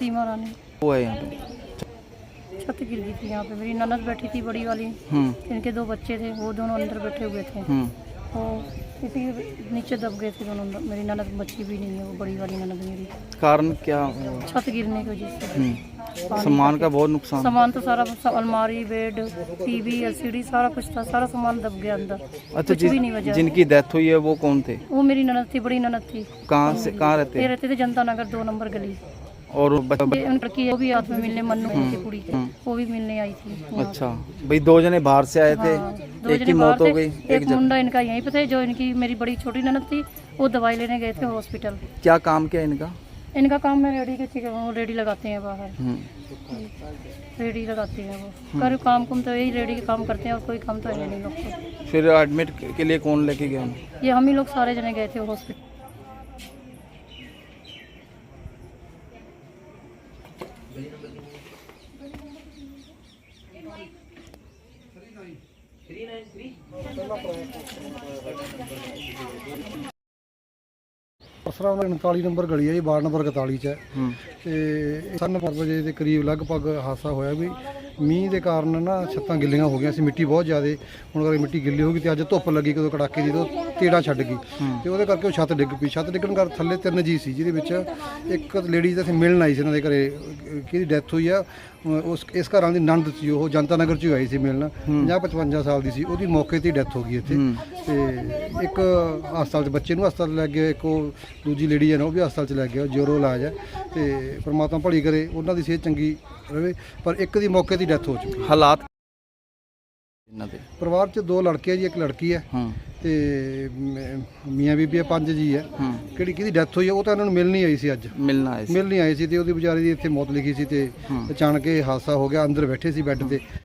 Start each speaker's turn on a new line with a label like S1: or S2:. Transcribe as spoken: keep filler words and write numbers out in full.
S1: सीमा रानी।
S2: वो है यहाँ पे?
S1: छत गिर गई थी यहाँ पे, मेरी ननद बैठी थी बड़ी वाली, इनके दो बच्चे थे, वो दोनों अंदर बैठे हुए थे, वो इसी नीचे दब गए थे दोनों। मेरी ननद बच्ची भी नहीं है, वो बड़ी वाली ननद मेरी।
S2: कारण क्या?
S1: छत गिरने की वजह से।
S2: सामान का बहुत नुकसान?
S1: सामान तो सारा, अलमारी, बेड, टीवी, एलसीडी, सारा कुछ था, सारा सामान दब गया अंदर।
S2: अच्छा,
S1: कुछ भी नहीं बचा।
S2: जिनकी डेथ हुई है वो कौन थे?
S1: वो मेरी ननद थी, बड़ी ननद थी।
S2: कहाँ से, कहाँ रहते?
S1: ये रहते थे जनता नगर दो नंबर गली।
S2: और
S1: ये उन लड़की वो भी हाथ में मिलने, मन्नू की कुड़ी थी, वो भी मिलने आई थी।
S2: अच्छा भाई, दो जने बाहर से आए थे,
S1: हाँ,
S2: एक की मौत हो गई,
S1: एक मुंडा इनका यहीं पे थे, जो इनकी मेरी बड़ी छोटी ननद थी, वो दवाई लेने गए थे हॉस्पिटल।
S2: क्या काम किया इनका?
S1: इनका काम है रेडी के, वो रेडी लगाते हैं बाहर, रेडी लगाते हैं वो। कर काम कुम तो यही रेडी के काम करते हैं, और कोई काम तो है नहीं लोग को।
S2: फिर एडमिट के लिए कौन लेके गया?
S1: ये हम ही लोग सारे जने गए थे हॉस्पिटल।
S3: असरा उनताली नंबर गली है जी, वार्ड नंबर इकताली च है। तो साढ़े पाँच बजे के करीब लगभग हादसा होया भी मीह के कारण ना छत्तां गिल्लियां हो गई सी, मिट्टी बहुत ज़्यादा। हुण अगर मिट्टी गिल्ली होगी तो अज धुप्प लगी कदों कड़ाके की, तो तेड़ा छड्ड गई, तो वो करके वो छत्त डिग पई। छत्त डिगण कर थल्ले तीन जी सी, जिहदे विच एक लेडीज असीं मिलण आई सी, इन्हां दे घरे किहदी डैथ हुई आ। उस इस घर वाली नंद सी, वो जनता नगर च आई सी मिलण, पचास पचवंजा साल की सी, ਉਹਦੀ मौके ते डैथ हो गई इत्थे। ते एक हस्पताल बच्चे नूं हस्पताल लै गए, एक दूजी लेडी है ना वो भी हस्पताल च लै गया, जोरो इलाज है। तो परमात्मा भली करे, उन्हां दी सेहत चंगी रहे, पर एक दी मौके ते डैथ हो चुकी।
S2: हालात
S3: परिवार च दो लड़के जी, एक लड़की है, ते मियाँ बीबी है, पंज जी है। किहड़ी किहदी डैथ हुई है वो तो इन्होंने मिलनी आई सी, अज
S2: मिलना आए सी।
S3: मिलनी आई सी, ते ओहदी बेचारी दी इत्थे मौत लिखी सी, ते अचानक ये हादसा हो गया। अंदर बैठे सी बैड ते।